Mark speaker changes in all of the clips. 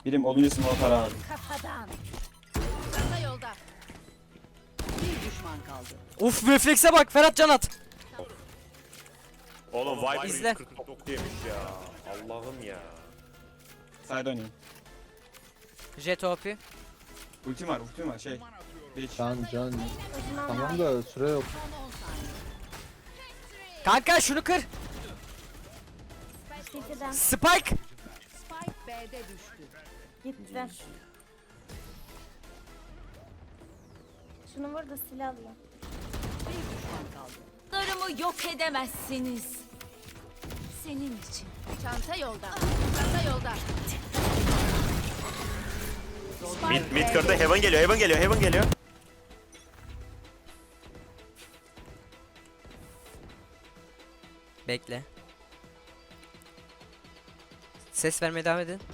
Speaker 1: Birim olunca smoke atar abi.
Speaker 2: Kafadan. Çanta yolda.
Speaker 3: Bir düşman kaldı.
Speaker 4: Uf reflekse bak Ferhat can at.
Speaker 5: Oğlum Viper
Speaker 4: İzle.
Speaker 5: 149 yemiş ya. Allah'ım ya.
Speaker 1: Side oynayayım.
Speaker 4: Jet OP.
Speaker 1: Ultim var şey. Beach.
Speaker 6: Can. Tamam da süre yok.
Speaker 4: Kanka şunu kır.
Speaker 2: City'den
Speaker 4: Spike.
Speaker 3: Spike B'de düştü.
Speaker 2: gitti. Şunu vur da silah alayım.
Speaker 3: Bir düşman kaldı.
Speaker 2: Larımı yok edemezsiniz. Senin için. Çanta yolda. Çanta yolda.
Speaker 5: Mid kırdı. Heaven geliyor.
Speaker 4: Bekle. Ses vermeye devam edin.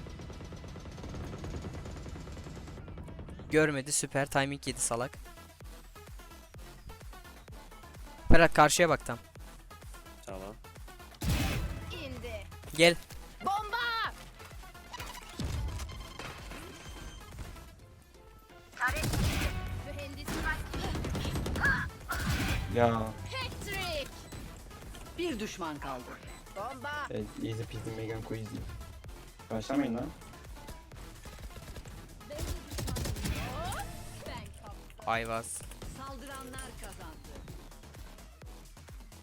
Speaker 4: Görmedi süper timing yedi salak. Ferhat karşıya bak tam.
Speaker 5: Tamam.
Speaker 2: İndi.
Speaker 4: Gel.
Speaker 2: Bomba! Mühendis
Speaker 1: Ya.
Speaker 2: Patrick!
Speaker 3: Bir düşman kaldı.
Speaker 2: Bomba!
Speaker 1: Easy peasy Megan Queasy. Başlamayın lan.
Speaker 4: Ayvaz.
Speaker 3: Saldıranlar kazandı.